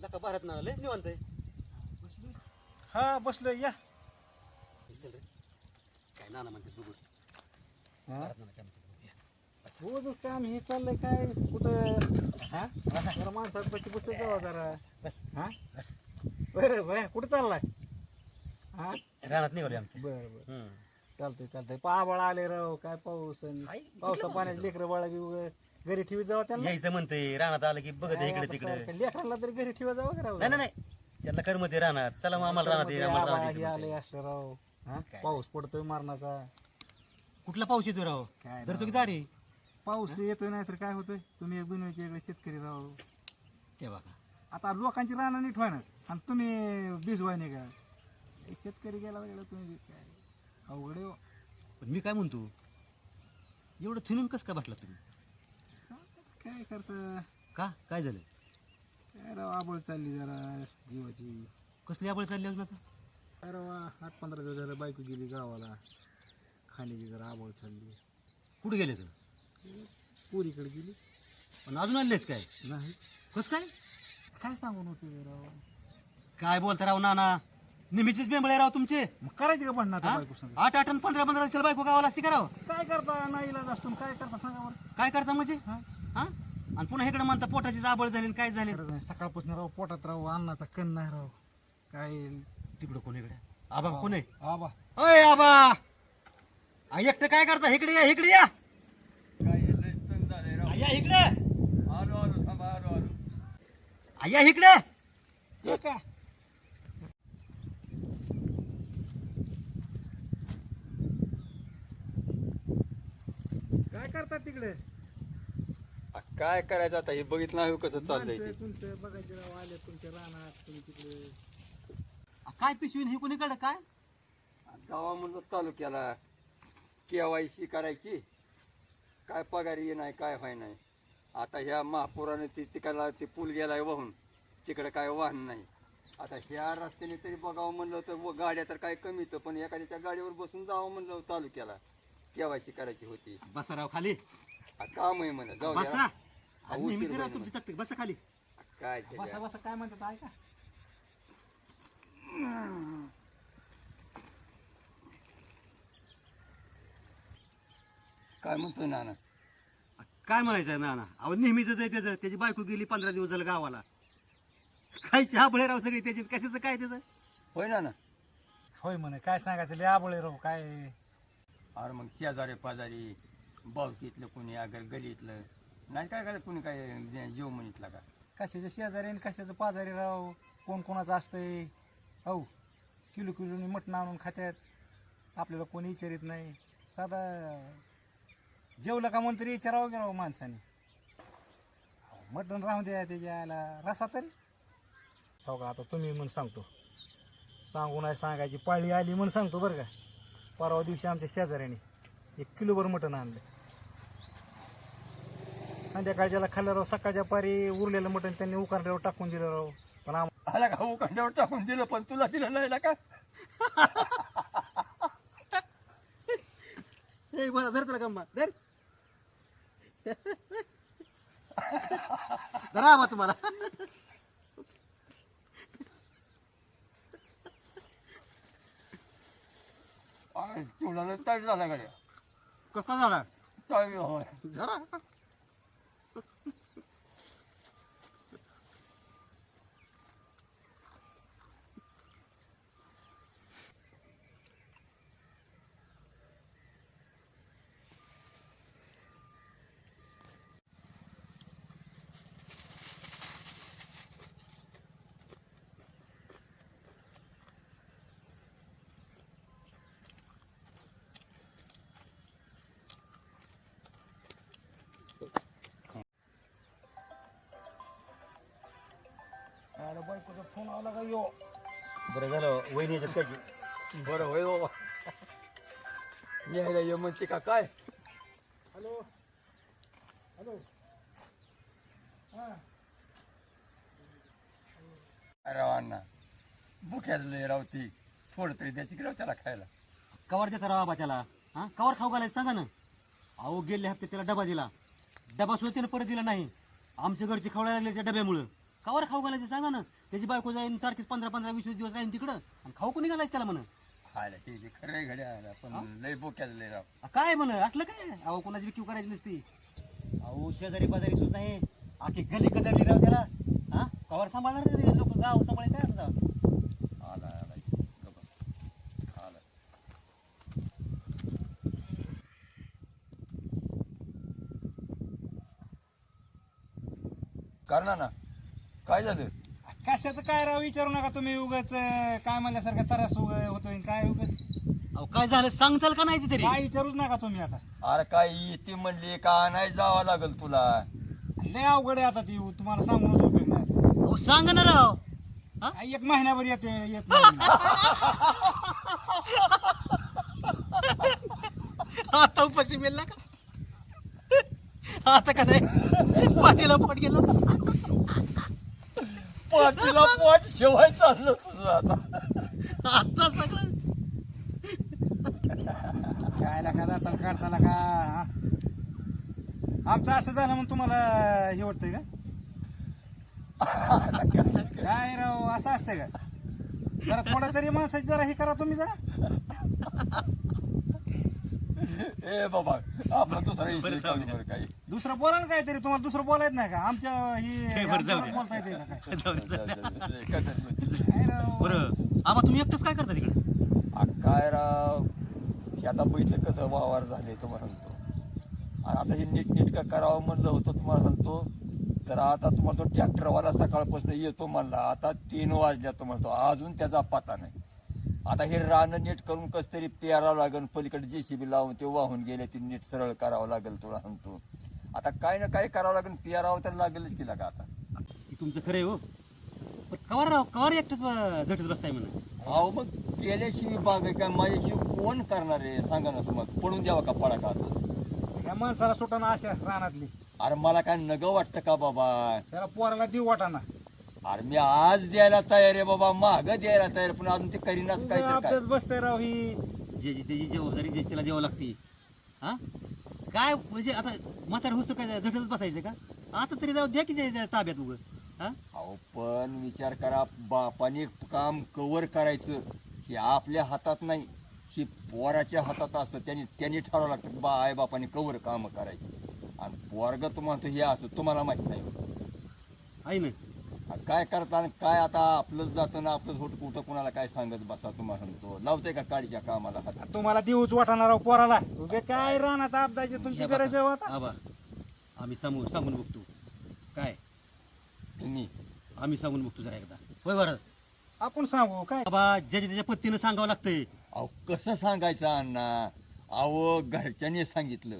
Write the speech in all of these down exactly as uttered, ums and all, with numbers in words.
लका भारत ना लयच निवांत आहे. हा बसलोय या. चल रे काय नाना म्हणते बघू. हा? भारत नाना काय म्हणते बघू. हो जो काम हे चाललंय काय कुठं हा जरा माणसात पैसे बसत जावा जरा बस हा बस बरं बरं कुठं चाललाय हा रानात निघाले आमचे. बरं बरं हम्म. चालतंय चालतंय पाबळ आले राव काय पाऊस आणि आई, पावसा कुठलं पाण्यात पाऊस लेकरं बाळा बी घरी ठेवी जावा त्यांना यायचं म्हणते रानात आलं की बघत आहे इकडे तिकडे. लेकरांना तरी घरी ठेवा जावं का राव नाही नाही नाही त्यांना करमत आहे रानात. चला मग आम्हाला रानात ये, आम्हाला रानात हे यायचं आले म्हणते. असलं राव हा काय पाऊस पडतोय मारणाचा कुठला पाऊस येतो राव काय तर राव. तो की दारी पाऊस येतोय नाही तर काय होतंय तुम्ही एक दोन वेळचे शेतकरी राव ते बघा. आता लोकांची रानं नीट व्हायना आणि तुम्ही भिजवाय नाही का हे शेतकरी गेला गेला तुम्ही काय अवघड आहे हो. पण मी काय म्हणतो एवढं थिनून कसं काय बसला तुम्ही? चालतंय, काय करता का काय झालं? काय राव आबळ चालली जरा जीवाची कसली आबळ चालली अजून आता? काय राव आठ पंधरा दिवस झालं बायको गेली गावाला खाण्याची जरा आबळ चालली कुठे गेले तर? पोरीकडे गेली पण अजून आलेत काय? नाही कसं काय? काय सांगून होते राव काय बोलता राव नाना नेहमीचीच बेंबळे राव तुमचे. मग करायची का भांडणं आता हा? बायको संग आठ आठ आणि पंधरा पंधरा दिवसाला बायको गावाला असते का राव? काय करता नाही इलाज असतो काय करता सांगा बरं काय करता म्हणजे हा हा आणि पुन्हा इकडे म्हणता पोटाची जाबळ झाली आणि काय झाली. खरंच नाही सकाळपासून राव पोटात राव अन्नाचा कण नाही राव काय तिकडं कोण इकडे आबा कोण आहे? आबा अय आबा आ, एकटं काय करता इकडे या इकडे या. आ, या इकडे आ, या इकडे. हे का काय करतात तिकडे काय करायचं आता हे बघितलं नाही कसं चाललंय माणसं ते. तुमचं बघायचे राव आले तुमच्या रानात तुम्ही तिकडे आ, काय पिशवी हे कोणीकडे काय? गावामधलं तालुक्याला केवायसी करायची काय पगारी नाही काय व्हाय नाही. आता ह्या महापुराने ती तिकडला ते पूल गेलाय वाहून तिकडे काय वाहन नाही. आता ह्या रस्त्याने तरी बघावं म्हणलं तर व गाड्या तर काय कमीच पण एखाद्या त्या गाडीवर बसून जावं म्हणलं तालुक्याला केवायसी करायची होती. बसा राव खाली आ, काम आहे म्हणलं जाऊ बसा. द्या. आ, नेहमीची राव तुमची तक्ती बसा खाली. काय बसा त्याच्या- बसा काय म्हणतात ऐका काय म्हणतोय नाना? आ, काय म्हणायचं ना ना अहो नेहमीच आहे त्याचं त्याची बायको गेली पंधरा दिवस झालं गावाला. काय चहा बळे राव सगळी त्याची कशाचं काय त्याचं? होय ना ना होय म्हणे काय सांगायचं लय आबळे राव काय अरे मग शेजारी पाजारी बावकीतलं कोणी अगर गलीतलं नाही काय करायचं कोणी काय जे- जीव म्हणितला का? कशाचं शेजारी आणि कशाचं पाजारी राव कोण कोणाचं असतंय हो किलो किलोनी मटण आणून खात्यात आपल्याला कोणी विचारित नाही साधा जेवलं का म्हणून तरी विचारावं की राव माणसाने मटण राहून द्या त्याच्या यायला रसा तरी हो का आता तुम्ही म्हणून सांगतो सांगू नाही सांगायची पाळी आली म्हणून सांगतो बरं का परवा दिवशी आमच्या शेजाऱ्याने एक किलोभर मटण आणलं संध्याकाळच्याला खाल्लं राव सकाळच्या पारी उरलेलं मटण त्यांनी उकारल्यावर टाकून दिलं राव पण आम आला का उकांड्यावर टाकून दिलं पण तुला दिलं नाही ना का? ए बरं धर त्याला गम्मा धर. धरा आबा तुम्हाला. आणि तुला तड झाला गाड्या कसा झाला? चालेल होय. जरा बायकोचा फोन आला का यो बरं झालं वहिनी याच्यात काय बरं होय बाबा यायला ये म्हणते का काय? हॅलो हॅलो हां राव अण्णा भुक्याला रावती थोडं तरी द्यायची की राव त्याला खायला. कवर देता राव आबा त्याला हा कवर खाऊ घालायचं सांगा ना. अहो गेले हप्ते त्याला डबा दिला डबा सुद्धा त्यानं परत दिला नाही. आमच्या घरची खवळायला लागले त्या डब्यामुळं कवर खाऊ घालायचं सांगा ना. त्याची बायको जाईन सारखीच पंधरा पंधरा वीस वीस दिवस राहीन तिकडं आणि खाऊ कोणी घालायचं त्याला म्हणा. हायला ते बी खरं आहे घड्या आला पण लय बोक्याला लय राव. काय म्हण आटलं काय अहो कोणाची विक्यू करायची नसती. अहो शेजारी पाजारी सुद्धा नाही आखी गली कदरली राव त्याला. हा कवर सांभाळणार लोक गाव सांभाळे काय असं आला आला गप्प बस. आला करणार ना काय झालं. कशाचं काय राव विचारू नका तुम्ही उगाच काय म्हणल्यासारखं त्रास उग होतोय काय उगाच अहो काय झालं सांगताल का नाही तरी. काय विचारूच नका तुम्ही आता. अरे काय येते म्हणली का नाही जावं लागल तुला. लय अवघड आहे आता ती तुम्हाला सांगूनच उपयोग नाही आता. अहो सांग ना राव. काय एक महिन्याभर येते येत नाही. आता उपाशी मिळला का आता का नाही पाठीला पोट गेलं. पाठीला पोट शेवाय चाललं तुझं आता. आता सगळं काय नका जाताना काढताना का हा? आमचं असं झालं म्हणून तुम्हाला हे वाटतंय का काय राव असं असतंय का. जरा थोडं तरी माणसाची जरा हे करा तुम्ही जरा. ए बाबा आपला दुसरा विषय बरं, चालू जाऊ द्या. बरं काही. दुसरं बोला ना काहीतरी तुम्हाला दुसरं बोलायच नाही का आमच्या हे बरं, जाऊ ही दे. बोलता येते का काय जाऊ दे. काय राव बरं आबा तुम्ही एकटंच काय करता तिकडे. आ, काय राव हे आता बघितलं कसं वावर झाले तुम्हाला सांगतो. आणि आता हे नीट नीट का करावं म्हणलं होतं तुम्हाला सांगतो. तर आता तुम्हाला तो ट्रॅक्टरवाला सकाळपासून येतो म्हणला आता तीन वाजल्या तुम्हाला तो अजून त्याचा पत्ता नाही. आता हे रानं नीट करून कसं तरी पेरावं लागेल पलीकडे जेसीबी लावून ते वाहून गेले ते नीट सरळ करावं लागेल तुला सांगतो. आता काय ना काय करावं लागेल पेरावं तर लागेलच की लागा आता. ती तुमचं खरं आहे हो पण कवर राव कवर एकटंच ब- झटत बसताय म्हणा. अहो मग केल्याशिवाय बाग आहे काय माझ्याशिवाय कोण करणार आहे सांगा ना तुम्हाला पडून द्यावा का पडा का असं. या माणसाला सुटाना अशा रानातली अरे मला काय नगं वाटतं का बाबा. त्याला पोराला देऊ वाटाना. अरे मी आज द्यायला तयार आहे बाबा माग द्यायला तयार पण अजून ते करीनाच काय तर काय. अपडेट बसतंय राव ही. जे जी त्याची जबाबदारी जे त्याला द्यावं लागते. हा काय म्हणजे आता म्हातार होतो काय झटतच बसायचं का. आता तरी जाऊ द्या की त्या ताब्यात उगं. हा अहो पण विचार करा बापाने काम कवर करायचं हे आपल्या हातात नाही हे पोराच्या हातात असतं. त्यांनी त्यांनी ठरवावं लागतं बा आई बापाने कवर काम करायची. आणि पोरग तुम्हाला हे असं तुम्हाला माहित नाही आहे ना. आणि काय करता आणि काय आता आपलंच जातं ना आपलंच होत कुठं कुणाला काय सांगत बसा तुम्हाला सांगतो लावतंय का काळीच्या कामाला हात. तुम्हाला देऊच वाटाना राव पोराला. उगे काय रानात अपदाची तुमची हे गरज आहे हो बघा, आता. आबा आम्ही सांगून सांगून बघतो काय तुम्ही आम्ही सांगून बघतो जरा एकदा होय बरं. आपण सांगू काय. बाबा ज्याच्या त्याच्या पत्तीनं सांगावं लागतंय. अहो कसं सांगायचं अण्णा. अहो घरच्यांनी सांगितलं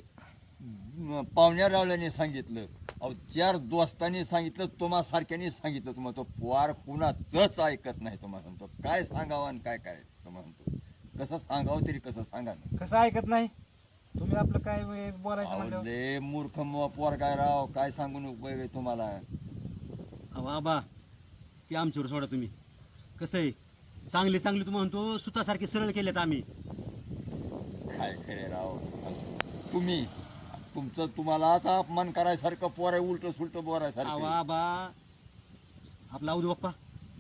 म- पाहुण्या रावल्याने सांगितलं अहो चार दोस्तांनी सांगितलं तुम्हा सारख्याने सांगितलं तुम्हाला तो पोर कुणाचंच ऐकत नाही तुम्हाला सांगतो. काय सांगावं आणि काय करायचं तुम्हाला सांगतो. कसं सांगावं तरी कसं सांगा ना. कसं ऐकत नाही तुम्ही आपलं काय वे- बोलायचं अहो, म्हणलं. लय मूर्ख म- पोर काय राव काय सांगून उपयोग आहे तुम्हाला. अहो आबा ते आमच्यावर सोडा तुम्ही. कसं आहे चांगले चांगले तुम्ही म्हणतो सुतासारखे सरळ केलेत आम्ही. काय खरे राव तुम्ही तुमचं तुम्हालाच अपमान करायसारखं पोर आहे उलट सुलट अहो बोरायसारखं आबा आपला अवधू बाप्पा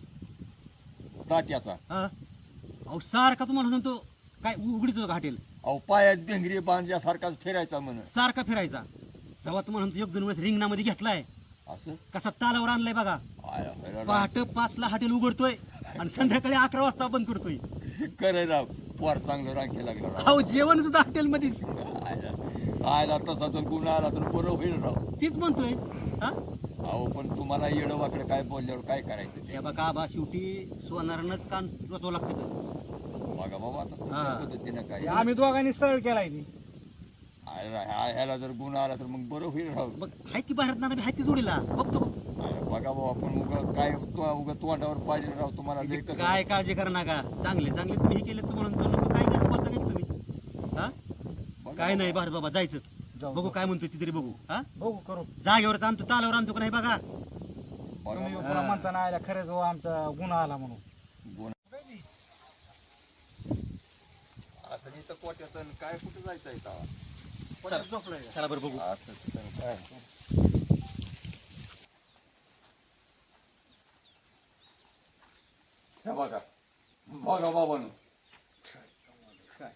तात्याचा. हा अहो सारखा तुम्हाला म्हणतो काय उघडीच घाटेल अहो पायात भिंगरी बांधल्यासारखाच फिरायचा म्हण सारखा फिरायचा. जेव्हा तुम्हाला म्हणतो एक दोन वेळेस रिंगणामध्ये घेतलाय असं. कसा तालावर आणलाय बघा. आय, आय, आय, पहाटे पाचला हॉटेल उघडतोय आणि संध्याकाळी अकरा वाजता बंद करतोय. खरं राव पोर चांगलं रांकी लागलं राव. अहो जेवण सुद्धा हॉटेलमध्येच. आयला आयला तसा जर गुन्हा आला तर बरं होईल राव. तीच म्हणतोय. हा अहो पण तुम्हाला येडं वाकडं काय बोलल्यावर काय करायचं ते. हे बघा आबा शेवटी सोनारानंच कान वाचवावं लागतं का. बघा बाबा आता तुमच्या हा. पद्धतीनं काय. आम्ही दोघांनी सरळ केलाय ती. आयला, ह्या- ह्याला जर गुन्हा आला तर मग बरं होईल राव. बघ हाय ती भारत नाना हाय ती जोडीला बघतो. आयला, बघा बाबा आपण उगा काय उगा तोंडावर पाडले राव तुम्हाला लय म्हणजे कसं. काय काळजी करा नका. चांगले चांगले तुम्ही हे केले म्हणून तो नको काय काय बोलता काय तुम्ही. हा बघा काय नाही बाबा. भारत बाबा जायचंच. जाऊ, बघू जाऊ. काय म्हणतोय ती तरी बघू. हा बघू करू. जागेवर आणतो तालावर आणतो का नाही बघा. बघा तुम्ही बाबा. पुन्हा म्हणता ना आयला खरंच हो आमचा गुन्हा आला म्हणून. गुन्हा असं नाही तर कोट्यात आणि काय कुठं जायचं आहे तेव्हा? परत झोपलाय. चला बरं बघू. असं तर काय हे बघा बघा बाबांनो काय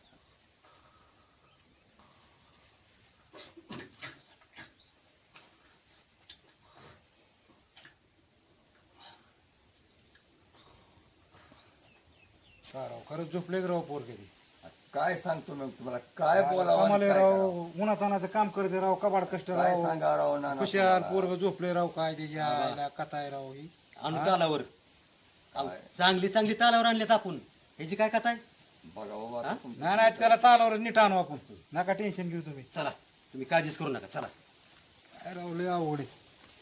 काय राव खरंच झोपले की राव पोर कधी काय सांगतो मग तुम्हाला काय बोलावं आणि आम्हाला काय राव करावं? उन्हातानाचं काम करते राव कबाड कष्ट काय राव सांगा राव नाना खुशाल तुम्हाला? पोरग झोपले राव काय त्याच्या आईला कथा आहे राव ही आणू तालावर अहो, चांगली चांगली तालावर आणल्यात आपण ह्याची काय कथा आहे बघा बाबा आता तुमचं नाही नाही त्याला तालावर नीट आणू आपण नका टेन्शन घेऊ तुम्ही चला तुम्ही काळजीच करू नका चला काय राव लय आवड आहे.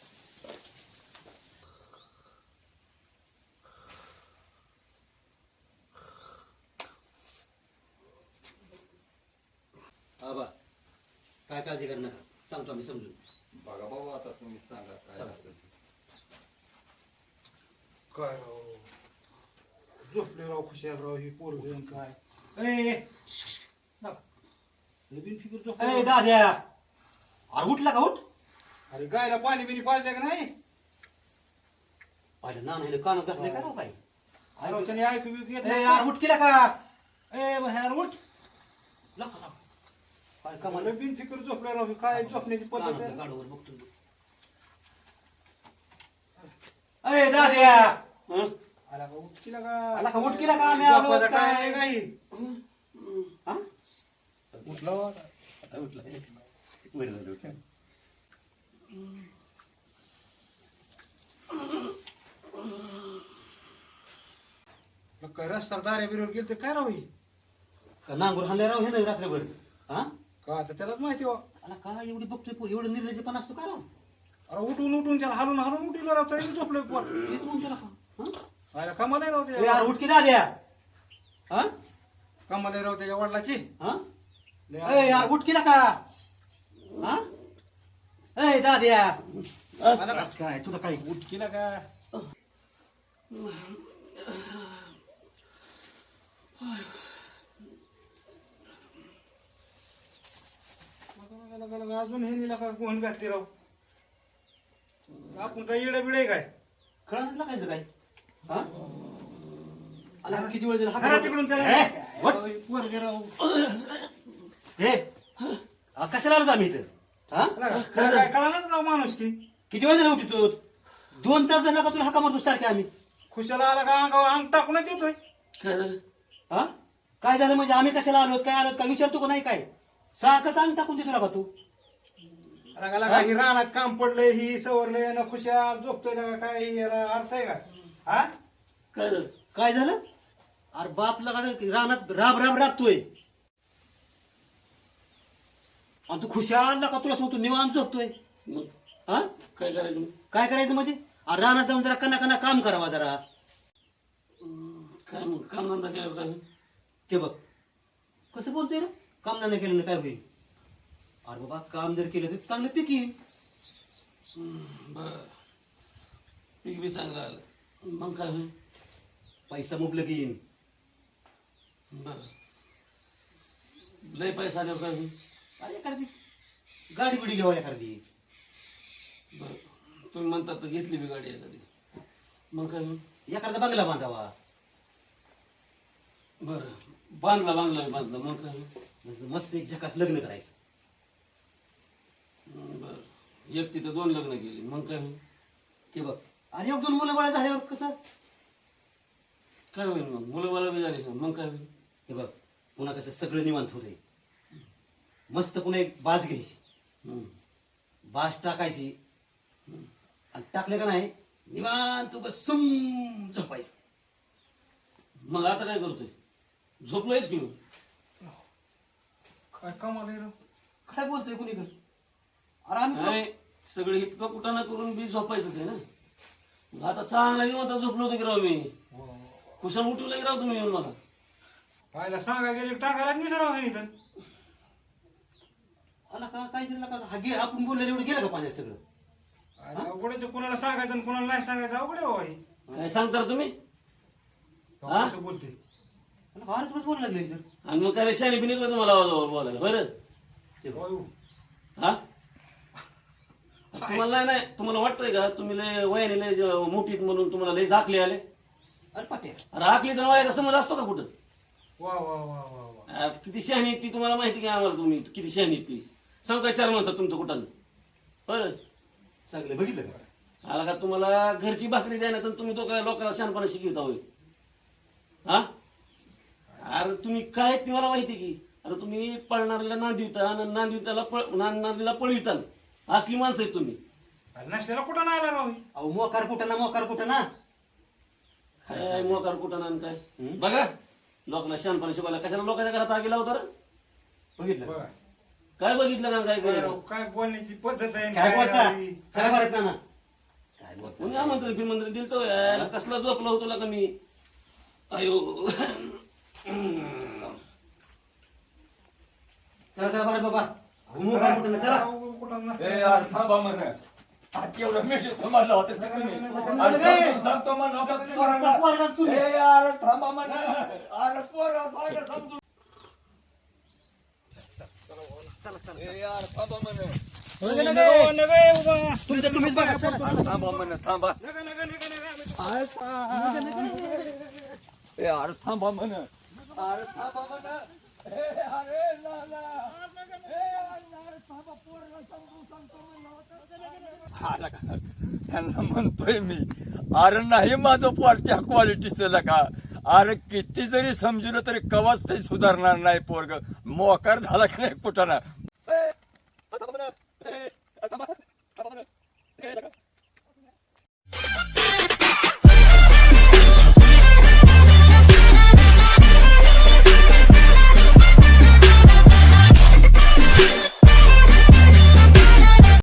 आबा काय काळजी करू नका सांगतो आम्ही समजून बघा बाबा आता तुम्ही सांगा काय चला. असेल ते. काय राव झोपले राव खुशाल राव ही पोरग काय ए नवीन फिकर झोप ए दाद्या अरे उठला का उठ अरे गायला पाणी बिनी पाजलं का नाही पाहिलं ना नाही कानात घातले का राव काय अरे राव, त्याने ऐकू बिकू येत ए नाही यार उठ केला का ए बाहेर उठ लका लाव. काय कमाल मला बिन फिकर झोपले राव ही काय झोपण्याची पद्धत कानातल्या आहे गाडोवर बघतो ए दाद्या आला का उठ केला का आला का उठ केला का आम्ही आलो झोपायचा काय? time आहे का ही? हा उठला हो. आता उठला बरं झालं उठला. मग काय रस्ता दारे बिरोड गेल तर काय राव ही का नांगूर हाणले राव हे नाही रात्रभर हा का आता त्यालाच माहिती हो आला काय एवढी बघतोय पोर एवढं निर्लज्ज पण असतो का राव अरे उठून उठून त्याला हलून हलून उठील राव तरी बी झोपलोय पोर तेच म्हणतो ना का हा? आयला कमाल आहे राव ए त्याच्या यार उठ की दाद्या हा कमाल आहे राव त्याच्या वडिलाची हा लय ए यार उठ केला का हा ए दाद्या आला का? काय तुला काय उठ केला का लगा, लगा, लगा, अजून हे निला का गोहन घातली राव आपण काय येडा बिडा आहे काय कळणच लागायचं काय हा आला का किती वेळ दिला खरा तिकडून त्याला ए, वट. पोरगे राव हे हा, कशाला आलो आम्ही इथं हा लगा, खरं काय कळालंच राव माणूस की किती वेळ झाला उठी तू दोन तास झाला का तुला हाका मारतो सारखे आम्ही खुशाला आला का अंगावर अंग टाकूनच येतोय काय झालं हा काय झालं म्हणजे आम्ही कशाला आलोत काय आलोत काय विचारतो का नाही काय सारखंच अंग टाकून देतो का तू लगा लगा ही रानात काम पडलंय ही सवरलंय ना खुशाल झोपतोय लगा काय ही याला अर्थ आहे का हा काय झालं काय झालं अरे बाप लगा रानात राब राब राबतोय आणि तू खुशाल का तुला सांगतो निवांत झोपतोय मग हा काय करायचं मग? काय करायचं म्हणजे अरे रानात जाऊन जरा कना कना काम करावा जरा काय मग कामधंदा केल्यावर काय होईल? ते बघ कसं बोलतोय रे काम नाही केलं काय होईल अरे बाबा काम जर केलं तर चांगलं पीक येईल बर पीक बी चांगलं आलं मग काय होईल पैसा मुबलक येईल बर लय पैसा आल्यावर काय होईल अरे एखादी गाडी बिडी घ्यावा एखादी बर तुम्ही म्हणतात तर घेतली बी गाडी एखादी मग काय होईल एखादा बंगला बांधावा बरं बांधला बांधला बी बांधला मग काय होईल म्हणजे मस्त एक झकास लग्न करायचं बर एक तिथं दोन लग्न केली मग काय होईल ते बघ आणि एक दोन मुलं बाळा झाल्यावर कसं काय होईल मग मुलं मला बी झाली का मग काय होईल हे बघ पुन्हा कसं सगळं निवांत होतंय मस्त पुन्हा एक बाज घ्यायची हम्म. बाज टाकायची आणि टाकले का नाही निवांत तू सुम झोपायचं मग आता काय करतोय झोपलोयच की मग काय कमाल आहे राव काय बोलतोय कुणी अरे आम्ही तुला- काय सगळे इतकं कुटाणा करून बी झोपायचंच आहे ना मग आता चांगला निवांत झोपलो होतो की राव मी कुशाल उठवलं की राव तुम्ही येऊन मला पाहायला सांगा गेले टाकायला नेलं राव ह्यानी तर आला का काय दिलं का हा गे आपण बोललेलं एवढं गेलं का पाण्यात सगळं आणि अवघडच कोणाला सांगायचं आणि कोणाला नाही सांगायचं अवघड आहे बाबा ही काय सांगता रे तुम्ही अहो, हा? कसं बोलते अरे फार तुलाच बोलायला लागले इथं आणि मग काय शाणी बिनी तुम्हाला आवाजावर बोलायला बरं होय. हा तुम्हाला नाही नाही तुम्हाला वाटतंय का तुम्ही लय वयाने लय ज- मोठीत म्हणून तुम्हाला लय झाकले आले अरे पाट्या अरे आखली तर वायाचा समज असतो का कुठं? वा वा वा वा वा आ, किती शहाणी आहेत ती तुम्हाला माहिती की आम्हाला तुम्ही किती शहाणी आहेत ती सांग काय चार माणसं तुमचं कुठं बरं सगळे बघितलं का? आला का तुम्हाला घरची भाकरी द्या ना तर तुम्ही तो काय लोकांना शहाणपणा शिकवता होय हा अरे तुम्ही काय ती मला माहिती की अरे तुम्ही पळणाऱ्याला नांदिवता आणि नांदिवताला पळ नांदणाऱ्याला पळविता असली माणसं आहेत तुम्ही. अरे नसलेला कुठं नाही आला राव ही? अहो मोकार कुठं ना मोकार कुठं ना काय मोकार कुठं ना आणि काय बघा लोकांना शहाणपणा शिकवायला कशाला लोकांच्या घरात आगी लावता रे? बघितलं बघा काय बघितलं का काय काय केलं? राव, काय बोलण्याची पद्धत आहे आणि काय काय बोलता राव ही? चला बरं ना काय बोलता कोणी आमंत्रण फिरमंत्रण दिलं तो यायला कसला झोपला होतो का मी अयो चला चला बरं बाबा अहो मोकार कुठं ना चला राव, कुठं नसलं. ए यार थांबा म्हण आता एवढं मीठ थांबला होतं ना तुम्ही. अरे सांगतो- सांगतो म्हणलं होतं पोरांना. पोरगा तुम्ही. ए यार थांबा म्हण अरे पोरा सांगा समजून. ए यार थांबा म्हण नग, नग, नग, ए उभा. तुमचं तुम्हीच बघा चला. थांबा म्हण थांबा नग, नग, नग, नग. अरे थांब. ए अरे थांबा म्हण अरे थांबा म्हण ए अरे लाला ए अरे थांबा पोराला समजून सांगतो म्हणलं होतं. आला का? त्यांना म्हणतोय मी अरे नाही माझं पोर त्या क्वालिटीचं लका अरे किती जरी समजलं तरी कवाच ते सुधारणार नाही पोरग मोकार झाला की नाही कुठं ना